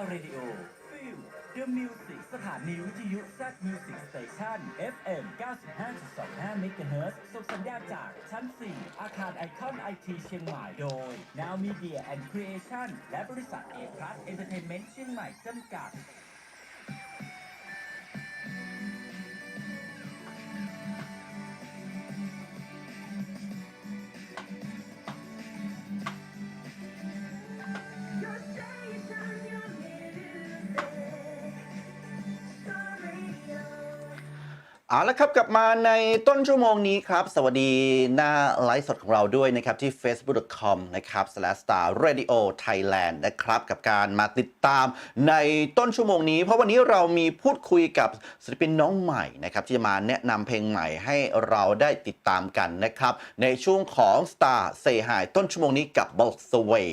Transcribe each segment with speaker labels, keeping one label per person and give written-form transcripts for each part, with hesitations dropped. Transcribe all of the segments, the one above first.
Speaker 1: Radio Feel The Music สถานีวิทยุ Z Music Station FM 95.25 MHz ส่งสัญญาณจากชั้น 4 อาคารไอคอนไอทีเชียงใหม่โดย Now Media and Creation และบริษัท A Plus Entertainment เชียงใหม่จำกัด
Speaker 2: เอาละครับกลับมาในต้นชั่วโมงนี้ครับสวัสดีหน้าไลฟ์สดของเราด้วยนะครับที่ facebook.com นะครับ /starradiothailand นะครับกับการมาติดตามในต้นชั่วโมงนี้เพราะวันนี้เรามีพูดคุยกับศิลปินน้องใหม่นะครับที่จะมาแนะนำเพลงใหม่ให้เราได้ติดตามกันนะครับในช่วงของ Star Say Hi ต้นชั่วโมงนี้กับ Bolt Sway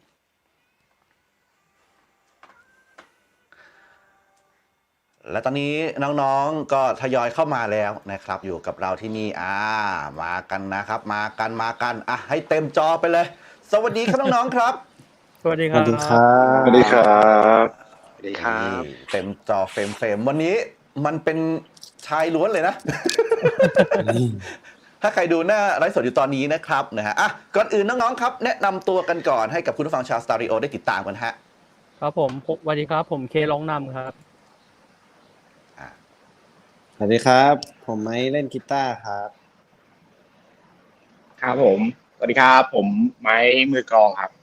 Speaker 2: และตอนนี้น้องๆก็ทยอยเข้ามาแล้วนะครับอยู่กับเราที่นี่มากันนะครับมากันให้เต็มจอไปเลยสวัสดีครับน้องๆครับ
Speaker 3: สวัสดีครับ
Speaker 4: สวัสดีครับสวัสดีครับสวัสดีครับ
Speaker 2: เต็มจอเฟรมวันนี้มันเป็นชายล้วนเลยนะ ถ้าใครดูหน้าไลฟ์สดอยู่ตอนนี้นะครับนะฮะก่อนอื่นน้องๆครับแนะนำตัวกันก่อนให้กับคุณผู้ฟังชาวสตาริโอได้ติดตามกันฮะ
Speaker 3: ครับผมสวัสดีครับผมเคร้องนำครับ
Speaker 4: สวัสดีครับผมไม้เล่นกีตาร์ครับ
Speaker 5: ครับผมสวัสดีครับผมไม้มือกลองครับ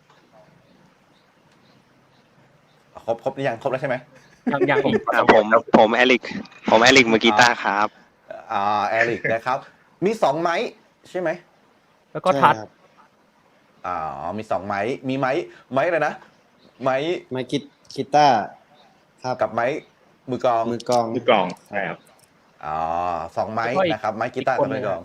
Speaker 2: ครบหรือยังครบแล้วใช่ไหม
Speaker 3: ยังอีก
Speaker 4: ผมแอลิกมือกีตาร์ครับ
Speaker 2: แอลิกนะครับมี2ไม้ใช่ไหม
Speaker 3: แล้วก็ทัด
Speaker 2: มี2ไม้มีไม้อะไรนะไม้
Speaker 4: กีตาร์ครับ
Speaker 2: กับไม้มือกลอง
Speaker 5: ใช่ครับ
Speaker 2: 2ไม้นะครับไม้กีตาร์กับมือกลอง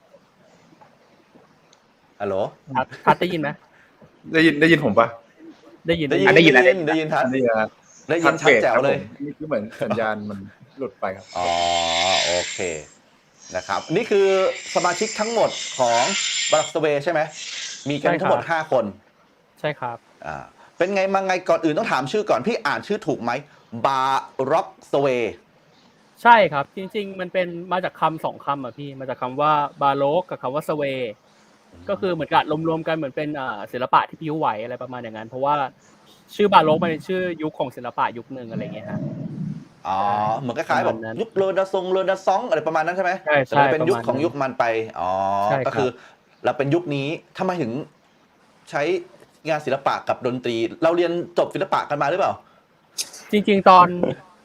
Speaker 2: ฮัลโหล
Speaker 3: ทัดได้ยินไหม
Speaker 6: ได้ยินผมปะ
Speaker 3: ได้ยิน
Speaker 2: ทัดได้ยินชัดแจ๋วเลย
Speaker 6: นี่คือเหมือนสัญญาณมันหลุดไปครับ
Speaker 2: โอเคนะครับนี่คือสมาชิกทั้งหมดของบารักสเวย์ใช่ไหมมีกันทั้งหมด5คน
Speaker 3: ใช่ครับ
Speaker 2: เป็นไงมาไงก่อนอื่นต้องถามชื่อก่อนพี่อ่านชื่อถูกไหมบาร็อกสเวย์
Speaker 3: ใช่ครับจริงๆมันเป็นมาจากคำ2คำอ่ะพี่มาจากคำว่าบาโลกกับคำว่าสเวย์ก็คือเหมือนกับรวมๆกันเหมือนเป็นศิลปะที่พิ้วไหวอะไรประมาณอย่างนั้นเพราะว่าชื่อบาโลกมันเป็นชื่อยุคของศิลปะยุคนึงอะไรเงี้ยฮะ
Speaker 2: เหมือนคล้ายๆแบบยุคเรเนซองส์อะไรประมาณนั้นใช่ไหม
Speaker 3: ใช่
Speaker 2: เป็นยุคของยุคมันไปก็คือเราเป็นยุคนี้ทำไมถึงใช้งานศิลปะกับดนตรีเราเรียนจบศิลปะกันมาหรือเปล่า
Speaker 3: จริงๆตอน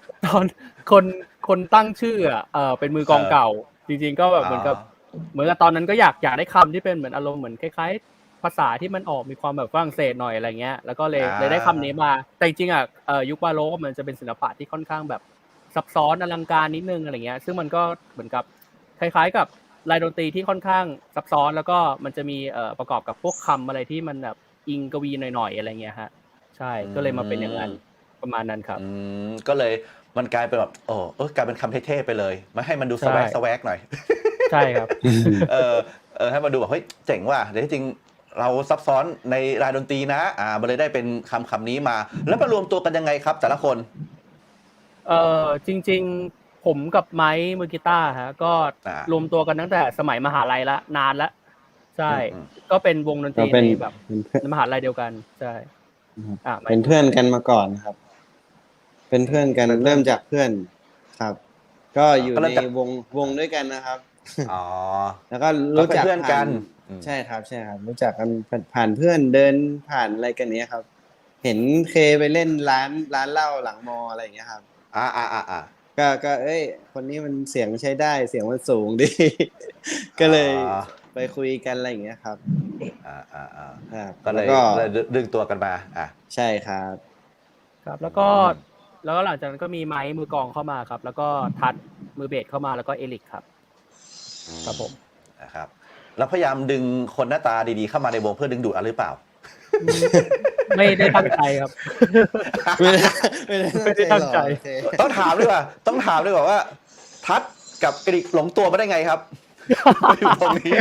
Speaker 3: คนตั้งชื่อเป็นมือกลองเก่าจริงๆก็แบบเหมือนกับตอนนั้นก็อยากได้คำที่เป็นเหมือนอารมณ์เหมือนคล้ายๆภาษาที่มันออกมีความแบบฝรั่งเศสหน่อยอะไรเงี้ยแล้วก็เลยได้คำนี้มาแต่จริงๆยุคบาโรกมันจะเป็นศิลปะที่ค่อนข้างแบบซับซ้อนอลังการนิดนึงอะไรเงี้ยซึ่งมันก็เหมือนกับคล้ายๆกับลายดนตรีที่ค่อนข้างซับซ้อนแล้วก็มันจะมีประกอบกับพวกคำอะไรที่มันแบบอิงกวีหน่อยๆอะไรเงี้ยฮะใช่ก็เลยมาเป็นอย่างนั้นประมาณนั้นครับ
Speaker 2: ก็เลยมันกลายเป็นแบบกลายเป็นคำเท่ๆไปเลยไม่ให้มันดูสแวกหน่อย
Speaker 3: ใช่ครับ
Speaker 2: ให้มันดูแบบเฮ้ยเจ๋งว่ะเดี๋ยวจริงเราซับซ้อนในรายดนตรีนะมันเลยได้เป็นคำนี้มาแล้วมารวมตัวกันยังไงครับแต่ละคน
Speaker 3: จริงๆผมกับไม้มือกีตาร์ฮะก็รวมตัวกันตั้งแต่สมัยมหาลัยละนานละใช่ก็เป็นวงดนตรีในแบบมหาลัยเดียวกันใช่
Speaker 4: เป็นเพื่อนกันมาก่อนครับเป็นเพื่อนกันเริ่มจากเพื่อนครับก็อยู่ในวงด้วยกันนะครับแล้วก็รู้จัก
Speaker 2: เพื่อนกัน
Speaker 4: ใช่ครับรู้จักกันผ่านเพื่อนเดินผ่านอะไรกันเนี้ยครับเห็นเคไปเล่นร้านเหล้าหลังมออะไรอย่างเงี้ยครับก็คนนี้มันเสียงใช้ได้เสียงมันสูงดีก็เลยไปคุยกันอะไรอย่างเงี้ยครับ
Speaker 2: ก็เลยดึงตัวกันมา
Speaker 4: ใช่ครับ
Speaker 3: แล้วก็หลังจากนั้นก็มีไม้มือกลองเข้ามาครับแล้วก็ทัดมือเบสเข้ามาแล้วก็เอลิกครับครับผม
Speaker 2: นะครับแล้วพยายามดึงคนหน้าตาดีๆเข้ามาในวงเพื่อดึงดูดอะไรหรือเปล่า
Speaker 3: ไม่ได้ตั้งใจครับ
Speaker 4: ไม่
Speaker 3: ได้ตั้งใจ
Speaker 2: ต้องถามด้วยว่าทัดกับเอลิกหลงตัวมาได้ไงครับอยู่ตรงนี้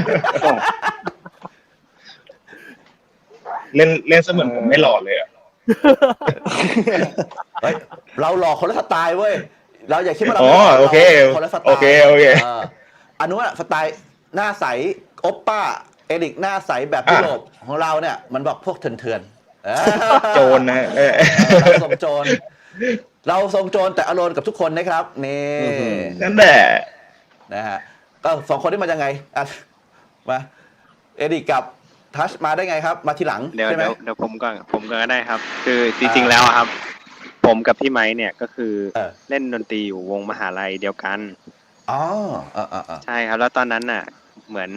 Speaker 5: เล่นเสมือนผมไม่หล่อเลย
Speaker 2: เฮ้ยเราหลอกคนละสไตล์เว้ยเราอย่าคิดว่าเรา
Speaker 5: อ๋อ
Speaker 2: ไม่หลก
Speaker 5: โอเค
Speaker 2: ราคนละสไตล์
Speaker 5: โอเคโอเค
Speaker 2: อันนู้นอะสไตล์หน้าใสโอปป้าเอริกหน้าใสแบบยุโรปของเราเนี่ยมันบอกพวกเถื่อนๆ
Speaker 5: โจรนะ
Speaker 2: เราทรงโจรเราทรงโจรแต่อารมณ์กับทุกคนนะครับนี่
Speaker 5: นั่นแหละ
Speaker 2: นะฮะก็สองคนที่มายังไงอ่ะมาเอริกกับทัชมาได้ไงครับมาทีหลัง
Speaker 7: เดี๋ยว
Speaker 2: ใช่ไหม
Speaker 7: เดี๋ยวผมก็ได้ครับ คือจริงๆแล้วอะครับ ผมกับพี่ไม้เนี่ยก็คือเล่นดนตรีอยู่วงมหาลัยเดียวกัน
Speaker 2: อ๋อ
Speaker 7: ใช่ครับ แล้วตอนนั้นน่ะ เหมือน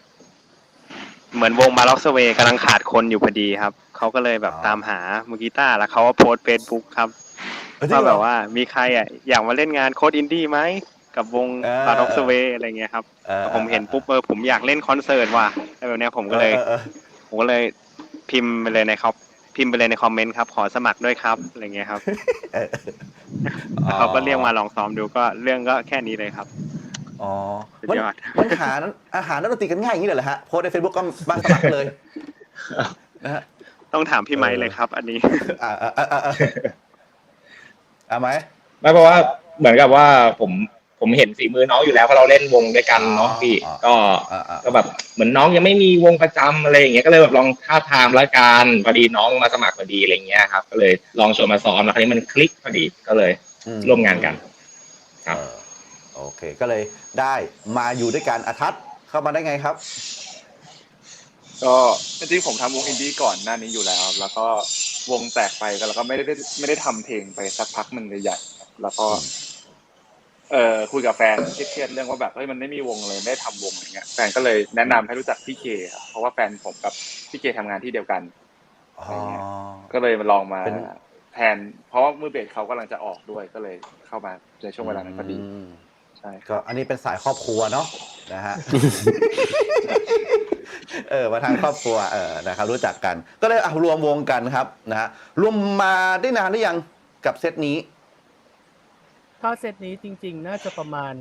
Speaker 7: วงบาร็อกสเวย์กำลังขาดคนอยู่พอดีครับเขาก็เลยแบบตามหามือกีตาร์แล้วเขาก็โพสต์เฟซบุ๊กครับว่าแบบว่ามีใครอ่ะอยากมาเล่นงานโค้ดอินดี้ไหมกับวงบาร็อกสเวย์อะไรเงี้ยครับผมเห็นปุ๊บผมอยากเล่นคอนเสิร์ตว่ะอะไรแบบเนี้ยผมก็เลยพิมพ์ไปเลยในคอมเมนต์ครับขอสมัครด้วยครับอะไรเงี้ยครับเขาก็เรียกมาลองซ้อมดูก็เรื่องก็แค่นี้เลยครับ
Speaker 2: อ๋อ
Speaker 7: สุดยอด
Speaker 2: มันหาอาหารนักดนตรีกันง่ายอย่างนี้เลยเหรอฮะโพสใน Facebook ก็มาสมัครเลยนะฮะ
Speaker 7: ต้องถามพี่ไม้เลยครับ อันนี้
Speaker 2: ไหม
Speaker 5: ไม่เพราะว่าเหมือนกับว่าผมเห็นฝีมือน้องอยู่แล้วเพราะเราเล่นวงด้วยกันเนาะพี่ก็แบบเหมือนน้องยังไม่มีวงประจำอะไรอย่างเงี้ยก็เลยแบบลองท้าทามละกันพอดีน้องมาสมัครพอดีอะไรเงี้ยครับก็เลยลองชวนมาซ้อมแล้วคราวนี้มันคลิกพอดีก็เลยร่วมงานกันครับ
Speaker 2: โอเคก็เลยได้มาอยู่ด้วยกันอาทัศน์เข้ามาได้ไงครับ
Speaker 6: ก็จริงๆผมทำวงอินดี้ก่อนหน้านี้อยู่แล้วแล้วก็วงแตกไปแล้วก็ไม่ได้ทำเพลงไปสักพักหนึ่งใหญ่ๆแล้วก็คุยกับแฟนเครียดๆเรื่องว่าแบบเฮ้ยมันไม่มีวงเลยไม่ได้ทำวงอะไรเงี้ยแฟนก็เลยแนะนำให้รู้จักพี่เคครับเพราะว่าแฟนผมกับพี่เคทำงานที่เดียวกันอะไรเงี้ยก็เลยมาลองมาแทนเพราะว่ามือเบสเขากำลังจะออกด้วยก็เลยเข้ามาในช่วงเวลานั้นพอดีใช่
Speaker 2: ก็อันนี้เป็นสายครอบครัวเนาะนะฮะ มาทางครอบครัวนะครับรู้จักกันก็เลยรวมวงกันครับนะฮะรวมมาได้นานหรือยังกับเซตนี้
Speaker 3: ถ้าเซตนี้จริงๆน่าจะประมาณ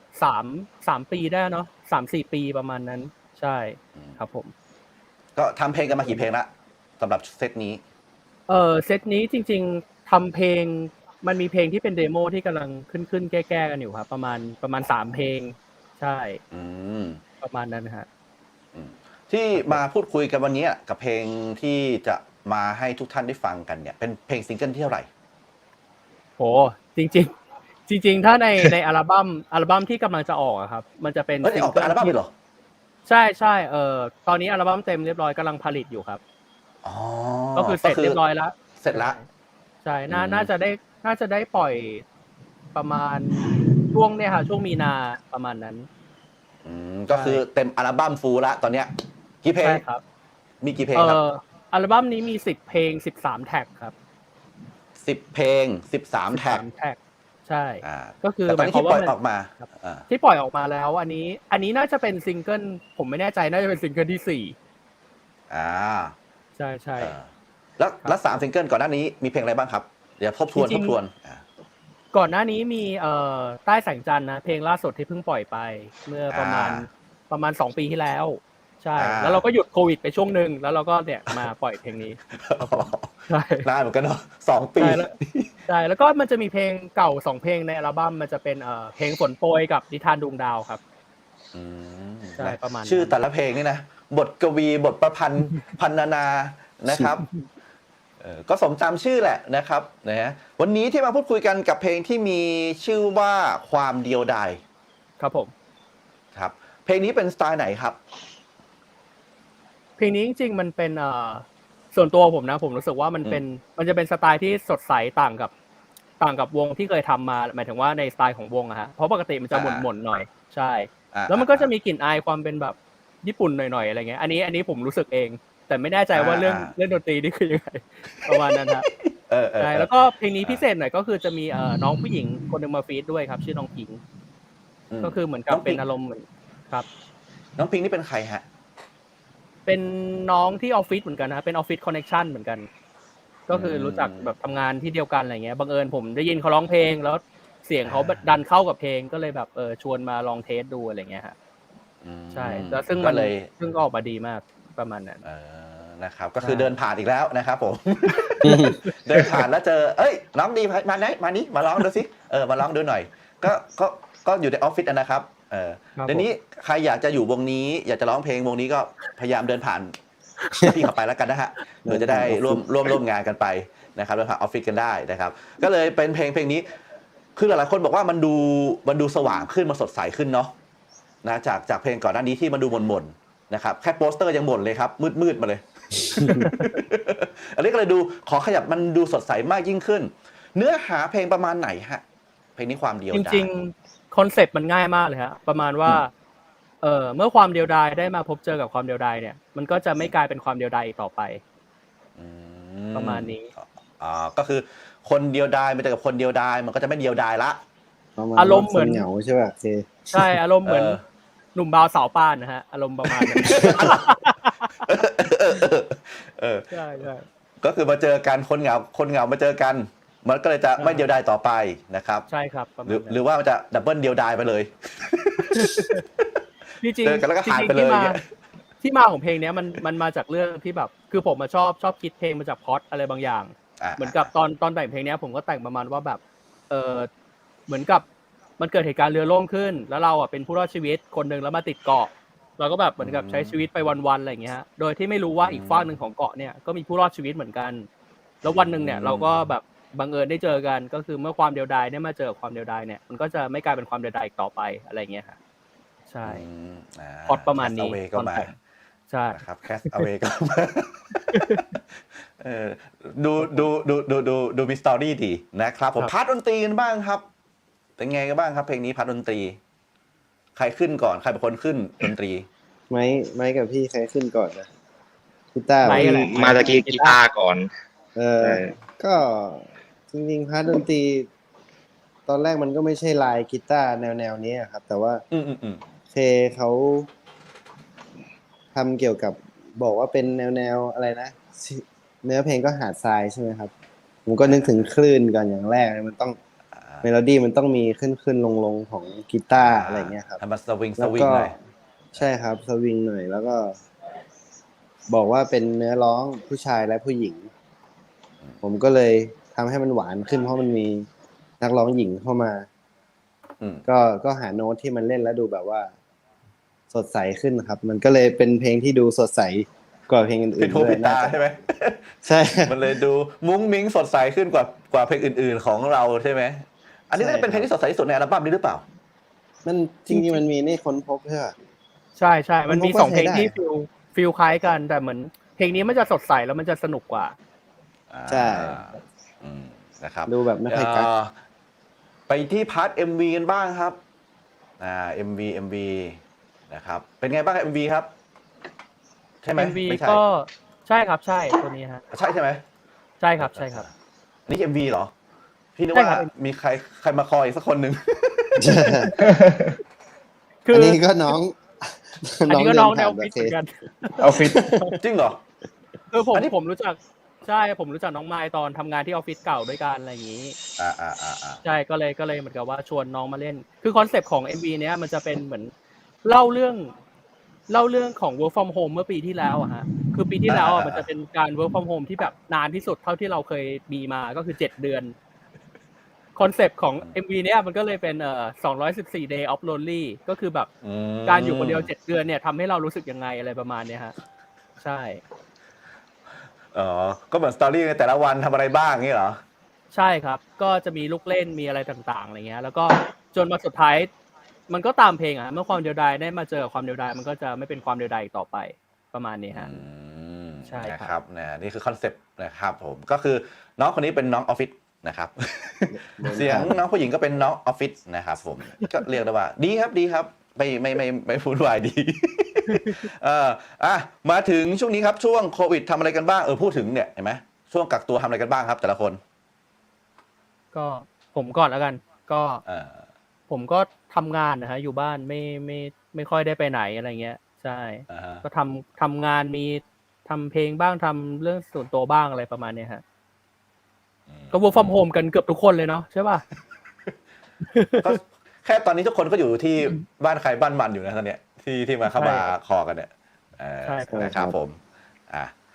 Speaker 3: 3 ปีได้เนาะ3-4 ปีประมาณนั้นใช่ครับผม
Speaker 2: ก็ทำเพลงกันมากี่เพลงละสำหรับเซตนี้
Speaker 3: เซตนี้จริงๆทำเพลงมันมีเพลงที่เป็นเดโมที่กำลังขึ้นแก้กันอยู่ครับประมาณ3 เพลงใช่ประมาณนั้นนะฮะ
Speaker 2: ที่มาพูดคุยกันวันนี้กับเพลงที่จะมาให้ทุกท่านได้ฟังกันเนี่ยเป็นเพลงซิงเกิลที่เท่าไหร่
Speaker 3: โหจริงถ้าในอัลบั้มที่กำลังจะออกครับมันจะเป็น
Speaker 2: ซิงเกิลอัลบั้มเหรอ
Speaker 3: ใช่ตอนนี้อัลบั้มเต็มเรียบร้อยกำลังผลิตอยู่ครับก็คือเสร็จเรียบร้อยแล้ว
Speaker 2: เสร็จแล้ว
Speaker 3: ใช่น่าจะได้ปล่อยประมาณช่วงเนี่ยค่ะช่วงมีนาประมาณนั้น
Speaker 2: ก็คือเต็มอัลบั้มฟูลละตอนเนี้ยกี่เพลง
Speaker 3: ครับ
Speaker 2: มีกี่เพลงครับ
Speaker 3: อัลบั้มนี้มี10 เพลง13 แท็กครับ
Speaker 2: 10 เพลง13 แท็ก
Speaker 3: ใช่ก็คือ
Speaker 2: หมายความว่าที่ปล่อยออกมา
Speaker 3: แล้วอันนี้น่าจะเป็นซิงเกิลผมไม่แน่ใจน่าจะเป็นซิงเกิลที่4ใช่
Speaker 2: แล้ว3ซิงเกิลก่อนหน้านี้มีเพลงอะไรบ้างครับเดี๋ยวทบทวน
Speaker 3: ก่อนหน้านี้มีใต้แสงจันทร์นะเพลงล่าสุดที่เพิ่งปล่อยไปเมื่อประมาณ2 ปีที่แล้วใช่แล้วเราก็หยุดโควิดไปช่วงนึงแล้วเราก็เนี่ยมาปล่อยเพลงนี้
Speaker 2: ใช่นานเหมือนกันเนาะ2 ปี
Speaker 3: ใช่แล้วก็มันจะมีเพลงเก่า2 เพลงในอัลบั้มมันจะเป็นเพลงฝนโปรยกับนิทานดวงดาวครับใช่ประมาณ
Speaker 2: ชื่อแต่ละเพลงนี่นะบทกวีบทประพันธ์พรรณนานะครับก็สมตามชื่อแหละนะครับนะฮะวันนี้ที่มาพูดคุยกันกับเพลงที่มีชื่อว่าความเดียวดาย
Speaker 3: ครับผม
Speaker 2: ครับเพลงนี้เป็นสไตล์ไหนครับ
Speaker 3: เพลงนี้จริงๆมันเป็นส่วนตัวผมนะผมรู้สึกว่ามันจะเป็นสไตล์ที่สดใสต่างกับวงที่เคยทำมาหมายถึงว่าในสไตล์ของวงอะฮะเพราะปกติมันจะหม่นๆหน่อยใช่แล้วมันก็จะมีกลิ่นอายความเป็นแบบญี่ปุ่นหน่อยๆอะไรเงี้ยอันนี้ผมรู้สึกเองแต่ไม่แน่ใจว่าเรื่องดนตรีนี่คือยังไงประมาณนั้นฮะใช่แล้วก็เพลงนี้พิเศษหน่อยก็คือจะมีน้องผู้หญิงคนนึงมาฟีดด้วยครับชื่อน้องพิงก็คือเหมือนกับเป็นอารมณ์เหมือนครับ
Speaker 2: น้องพิงนี่เป็นใครฮะ
Speaker 3: เป็นน้องที่ออฟฟิศเหมือนกันนะเป็นออฟฟิศคอนเนคชั่นเหมือนกันก็คือรู้จักแบบทำงานที่เดียวกันอะไรเงี้ยบังเอิญผมได้ยินเขาร้องเพลงแล้วเสียงเขาดันเข้ากับเพลงก็เลยแบบชวนมาลองเทสดูอะไรเงี้ยฮะใช่แล้วซึ่งก็ออกมาดีมากประมาณนั้น
Speaker 2: นะครับก็คือเดินผ่านอีกแล้วนะครับผม เดินผ่านแล้วเจอเอ้ยน้องดีมาไหนมานี้มาร้องดูสิมาร้องดูหน่อยก็อยู่ในออฟฟิศนะครับเดี๋ยวนี้ใครอยากจะอยู่วงนี้อยากจะร้องเพลงวงนี้ก็พยายามเดินผ่านพี่เข้าไปแล้วกันนะฮะเดี๋ยวจะได้ร่วมงานกันไปนะครับเดินผ่านออฟฟิศกันได้นะครับก็เลยเป็นเพลงนี้คือหลายๆคนบอกว่ามันดูสว่างขึ้นมันสดใสขึ้นเนาะนะจากเพลงก่อนหน้านี้ที่มันดูหม่นๆนะครับแค่โปสเตอร์ยังหม่นเลยครับมืดมาเลย อันนี้ก็เลยดูขอขยับมันดูสดใสมากยิ่งขึ้นเนื้อหาเพลงประมาณไหนฮะเพลงนี้ความเดียวดาย
Speaker 3: จริงๆคอนเซ็ปต์มันง่ายมากเลยฮะประมาณว่าเมื่อความเดียวดายได้มาพบเจอกับความเดียวดายเนี่ยมันก็จะไม่กลายเป็นความเดียวดายอีกต่อไปประมาณนี้
Speaker 2: ก็คือคนเดียวดายมันจะกับคนเดียวดายมันก็จะไม่เดียวดายละ
Speaker 3: อารมณ์เหมือน
Speaker 4: เหงาใช่ป่ะ
Speaker 3: ใช่อารมณ์เหมือนหนุ่มบาวสาวป้านนะฮะอารมณ์ประมาณนั้นใช่
Speaker 2: ก็คือมาเจอกันคนเหงามาเจอกันมันก็เลยจะไม่เดียวดายต่อไปนะครับ
Speaker 3: ใช่ครับ
Speaker 2: หรือว่ามันจะดับเบิลเดียวดายไปเลย
Speaker 3: จริงๆ
Speaker 2: แล้วก็หายไปเลย
Speaker 3: ที่มาของเพลงนี้มันมาจากเรื่องที่แบบคือผมชอบคิดเพลงมาจากพล็อตอะไรบางอย่างเหมือนกับตอนแต่งเพลงนี้ผมก็แต่งประมาณว่าแบบเหมือนกับมันเกิดเหตุการณ์เรือล่มขึ้นแล้วเราเป็นผู้รอดชีวิตคนหนึ่งแล้วมาติดเกาะเราก็แบบเหมือนกับใช้ชีวิตไปวันๆอะไรอย่างเงี้ยโดยที่ไม่รู้ว่าอีกฝั่งหนึ่งของเกาะเนี่ยก็มีผู้รอดชีวิตเหมือนกันแล้ววันหนึ่งเนี่ยเราก็แบบบังเอิญได้เจอกันก็คือเมื่อความเดียวดายเนี่ยมาเจอความเดียวดายเนี่ยมันก็จะไม่กลายเป็นความเดียวดายอีกต่อไปอะไรเงี้ยค่ะใช่พอดประมาณนี้
Speaker 2: ก็มา
Speaker 3: ใช่
Speaker 2: ครับแคสเอาเวก็มาดูมีสตอรี่ดีนะครับผมพาร์ทดนตรีกันบ้างครับเป็นไงกันบ้างครับเพลงนี้พาร์ทดนตรีใครขึ้นก่อนใครเป็นคนขึ้นดนตรี
Speaker 4: ไม้กับพี่ใครขึ้นก่อนนะกีตาร์
Speaker 5: มาตะกี้กีตาร์ก่อน
Speaker 4: ก็จริงๆพาร์ทดนตรีตอนแรกมันก็ไม่ใช่ลายกีตาร์แนวนี้ครับแต่ว่าเคเขาทำเกี่ยวกับบอกว่าเป็นแนวอะไรนะเนื้อเพลงก็หาดทรายใช่ไหมครับผมก็นึกถึงคลื่นก่อนอย่างแรกมันต้องเมโลดี้มันต้องมีขึ้นลงของกีตาร์อะไรเงี้ยครับ
Speaker 2: ทำมาสวิงหน่อย
Speaker 4: ใช่ครับสวิงหน่อยแล้วก็บอกว่าเป็นเนื้อร้องผู้ชายและผู้หญิงผมก็เลยทำให้มันหวานขึ้นเพราะมันมีนักร้องหญิงเข้ามาก็หาโน้ตที่มันเล่นแล้วดูแบบว่าสดใสขึ้นครับมันก็เลยเป็นเพลงที่ดูสดใสกว่าเพลงอื่นๆ
Speaker 2: ด้วยนะใช่ไหม
Speaker 4: ใช่
Speaker 2: มันเลยดูมุ้งมิ้งสดใสขึ้นกว่าเพลงอื่นๆของเราใช่ไหมอันนี้น่าจะเป็นเพลงที่สดใสที่สุดในอัลบั้มนี้หรือเปล่า
Speaker 4: มันจริงๆมันมีนี่ค้นพบใช่ป่ะ
Speaker 3: ใช่มันมี2เพลงที่ฟีลคล้ายกันแต่เหมือนเพลงนี้มันจะสดใสแล้วมันจะสนุกกว่า
Speaker 4: ใช่
Speaker 2: นะครับ
Speaker 4: ดูแบบไม่ค่อยกัก
Speaker 2: ไปที่พาร์ท MV กันบ้างครับMV นะครับเป็นไงบ้าง MV ครับใช่ไหม
Speaker 3: MV ก็ใช่ครับใช่ตัวนี้ฮะ
Speaker 2: ใช่ไหม
Speaker 3: ใช่ครับ
Speaker 2: นี่ MV เหรอพี่นึกว่ามีใครมาคอยอีกสักคนหนึ่ง
Speaker 4: อันนี้ก็น้อง
Speaker 3: แนวฟิตเหมือนกัน
Speaker 2: เอาฟิตจริงเหรอ
Speaker 3: ผมรู้จักใช่ผมรู้จักน้องไมค์ตอนทำงานที่ออฟฟิศเก่าด้วยกันอะไรอย่างนี้ใช่ก็เลยเหมือนกับว่าชวนน้องมาเล่นคือคอนเซปต์ของ MV เนี้ยมันจะเป็นเหมือนเล่าเรื่องของ work from home เมื่อปีที่แล้วอะฮะคือปีที่แล้วมันจะเป็นการ work from home ที่แบบนานที่สุดเท่าที่เราเคยมีมาก็คือ7 เดือนคอนเซปต์ของ MV เนี้ยมันก็เลยเป็น214 day of lonely ก็คือแบบการอยู่คนเดียว7 เดือนเนี่ยทำให้เรารู้สึกยังไงอะไรประมาณเนี้ยฮะใช่
Speaker 2: ก็เหมือนสตอรี่ในแต่ละวันทำอะไรบ้างงี้เหรอ
Speaker 3: ใช่ครับก็จะมีลูกเล่นมีอะไรต่างๆอะไรเงี้ยแล้วก็จนมาสุดท้ายมันก็ตามเพลงเมื่อความเดียวดายได้มาเจอความเดียวดายมันก็จะไม่เป็นความเดียวดายอีกต่อไปประมาณนี้ฮะ
Speaker 2: ใช่ครับนี่คือคอนเซปต์นะครับผมก็คือน้องคนนี้เป็นน้องออฟฟิศนะครับเสียงน้องผู้หญิงก็เป็นน้องออฟฟิศนะครับผมก็เรียกได้ว่าดีครับไม่พูดวายดีมาถึงช่วงนี้ครับช่วงโควิดทำอะไรกันบ้างพูดถึงเนี่ยเห็นไหมช่วงกักตัวทำอะไรกันบ้างครับแต่ละคน
Speaker 3: ก็ผมก่อนแล้วกันก็ผมก็ทำงานนะฮะอยู่บ้านไม่ค่อยได้ไปไหนอะไรเงี้ยใช่ก็ทำงานมีทำเพลงบ้างทำเรื่องส่วนตัวบ้างอะไรประมาณนี้ฮะก็ work from home กันเกือบทุกคนเลยเนาะใช่ป่ะ
Speaker 2: แค่ตอนนี้ทุกคนก็อยู่ที่บ้านใครบ้านมันอยู่นะตอนเนี้ยที่มาเข้ามาคอกันเนี่ยใช่ครับผม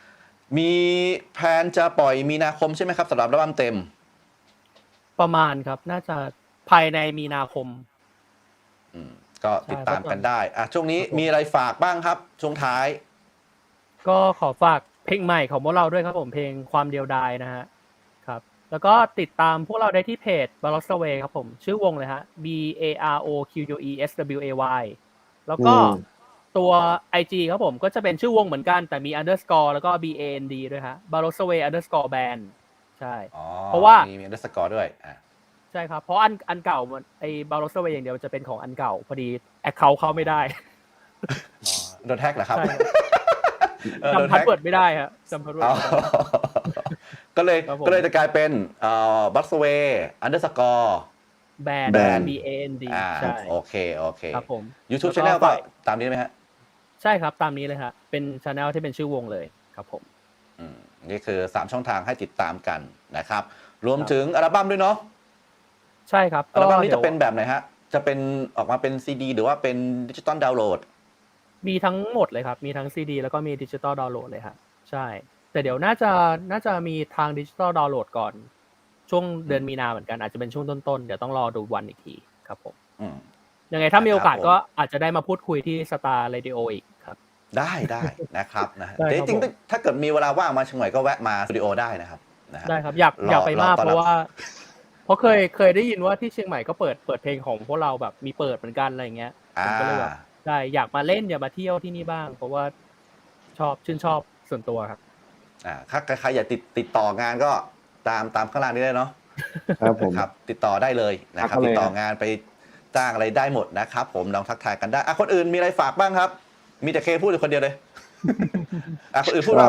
Speaker 2: มีแผนจะปล่อยมีนาคมใช่ไหมครับสำหรับอัลบั้มเต็ม
Speaker 3: ประมาณครับน่าจะภายในมีนาคม
Speaker 2: ก็ติดตามกันได้ช่วงนี้มีอะไรฝากบ้างครับช่วงท้าย
Speaker 3: ก็ขอฝากเพลงใหม่ของพวกเราด้วยครับผมเพลงความเดียวดายนะฮะครับแล้วก็ติดตามพวกเราได้ที่เพจ Baroxaway ครับผมชื่อวงเลยฮะ BAROQUESWAY แล้วก็ตัว IG ครับผมก็จะเป็นชื่อวงเหมือนกันแต่มี underscore แล้วก็ BAND ด้วยฮะ Baroxaway underscore band ใช่เพราะว่า
Speaker 2: มี underscore ด้วย
Speaker 3: ใช่ครับเพราะอันเก่าไอ้ Baroxaway อย่างเดียวจะเป็นของอันเก่าพอดี account เข้าไม่ได้
Speaker 2: โดนแฮกเหรอครับ
Speaker 3: จำพาสเวิร์ดไม่ได้ครับจำพาสเวิร์ด
Speaker 2: ก็เลยจะกลายเป็นBaroxaway underscore
Speaker 3: band BAND ใช่
Speaker 2: โอเค
Speaker 3: ครับผม
Speaker 2: YouTube Channel ก็ตามนี้ไหมฮะ
Speaker 3: ใช่ครับตามนี้เลยฮะเป็น Channel ที่เป็นชื่อวงเลยครับผม
Speaker 2: นี่คือ3ช่องทางให้ติดตามกันนะครับรวมถึงอัลบั้มด้วยเนาะ
Speaker 3: ใช่ครับ
Speaker 2: อัลบั้มนี้จะเป็นแบบไหนฮะจะเป็นออกมาเป็นซีดีหรือว่าเป็นดิจิตอลดาวน์โหลด
Speaker 3: มีทั้งหมดเลยครับมีทั้งซีดีแล้วก็มีดิจิตอลดาวน์โหลดเลยครับใช่แต่เดี๋ยวน่าจะมีทางดิจิตอลดาวน์โหลดก่อนช่วงเดือนมีนาเหมือนกันอาจจะเป็นช่วงต้นๆเดี๋ยวต้องรอดูวันอีกทีครับผมยังไงถ้ามีโอกาสก็อาจจะได้มาพูดคุยที่สตาร์เรดิโออีกครับ
Speaker 2: ได้นะครับนะจริงๆถ้าเกิดมีเวลาว่างมาเชียงใหม่ก็แวะมาสตูดิโอได้นะครับ
Speaker 3: ได้ครับอยากไปมากเพราะว่าเคยได้ยินว่าที่เชียงใหม่ก็เปิดเพลงของพวกเราแบบมีเปิดเหมือนกันอะไรเงี้ยผมก็เลยแบบได้อยากมาเล่นอยากมาเที่ยวที่นี่บ้างเพราะว่าชื่นชอบส่วนตัวครับ
Speaker 2: ถ้าใครอยากติดต่องานก็ตามข้างล่างนี้ได้เนาะ
Speaker 4: ครับผม
Speaker 2: ครับติดต่อได้เลยนะครับติดต่องานไปจ้างอะไรได้หมดนะครับผมลองทักทายกันได้คนอื่นมีอะไรฝากบ้างครับมีแต่เคพูดอยู่คนเดียวเลยคนอื่นพูดบ้าง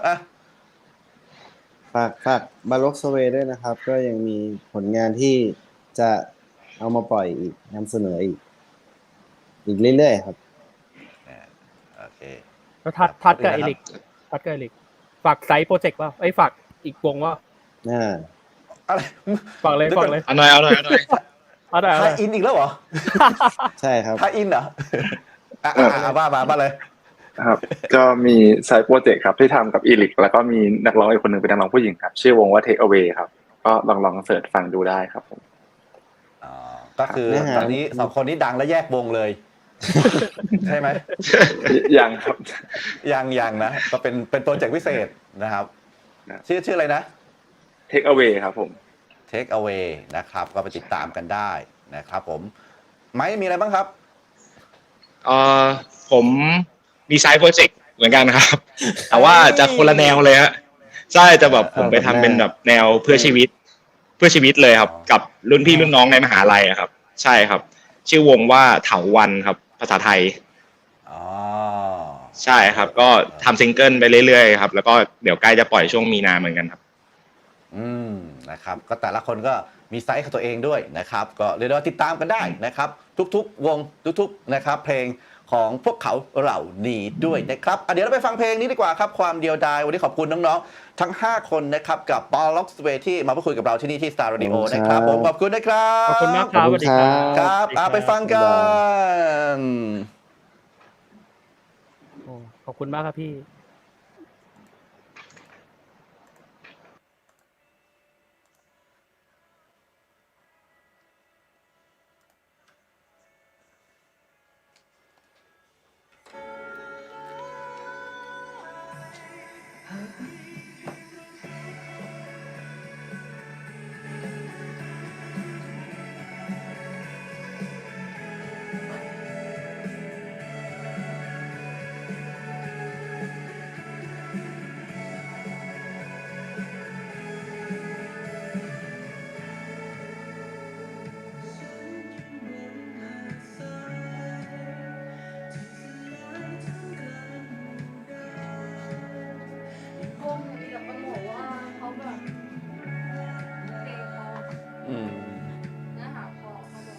Speaker 4: ฝากBaroxawayด้วยนะครับก็ยังมีผลงานที่จะเอามาปล่อยอีกนำเสนออีกเรื่อยๆครับ
Speaker 2: โอเค
Speaker 3: แล้วทัดกับเอลิกฝากไซต์โปรเจกต์ป่ะฝากอีกวงว่า
Speaker 2: อะไร
Speaker 3: ฝากเลย
Speaker 5: เอาหน่อย
Speaker 2: ไทยอินอีกแล้วเหรอ
Speaker 4: ใช่ครับ
Speaker 2: ไทยอินเหรอบ้าเลย
Speaker 6: ครับก็มีไซต์โปรเจกต์ครับที่ทำกับอีลิกแล้วก็มีนักร้องอีกคนหนึ่งเป็นนักร้องผู้หญิงครับชื่อวงว่า Take Away ครับก็ลองเสิร์ชฟังดูได้ครับผม
Speaker 2: ก็คือตอนนี้2คนนี้ดังและแยกวงเลยใช่ไหม
Speaker 6: ยังครับ
Speaker 2: ยังนะก็เป็นโปรเจกต์พิเศษนะครับชื่ออะไรนะ
Speaker 6: Take Away ครับผม
Speaker 2: Take Away นะครับก็ไปติดตามกันได้นะครับผมไม้มีอะไรบ้างครับ
Speaker 5: ผมมีไซด์โปรเจกต์เหมือนกันครับแต่ว่าจะคนละแนวเลยฮะใช่จะแบบผมไปทำเป็นแบบแนวเพื่อชีวิตเลยครับกับรุ่นพี่รุ่นน้องในมหาลัยครับใช่ครับชื่อวงว่าเถาวัลย์ครับภาษาไทยใช่ครับก็ทำซิงเกิลไปเรื่อยๆครับแล้วก็เดี๋ยวใกล้จะปล่อยช่วงมีนาเหมือนกันครับ
Speaker 2: นะครับก็แต่ละคนก็มีไซส์ของตัวเองด้วยนะครับก็เรียกว่าติดตามกันได้นะครับทุกๆวงทุกๆนะครับเพลงของพวกเขาเหล่านี้ด้วยนะครับเดี๋ยวเราไปฟังเพลงนี้ดีกว่าครับความเดียวดายวันนี้ขอบคุณน้องๆทั้ง5คนนะครับกับ Baroxaway ที่มาพูดคุยกับเราที่นี่ที่ Star Radio นะครับผมขอบคุณนะครับ
Speaker 3: ขอบคุณมากครับสวัสดี
Speaker 2: ครับไปฟังกัน
Speaker 3: ขอบคุณมากครับพี่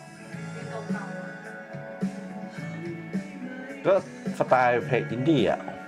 Speaker 2: ก็สไตล์เพลงอินดี้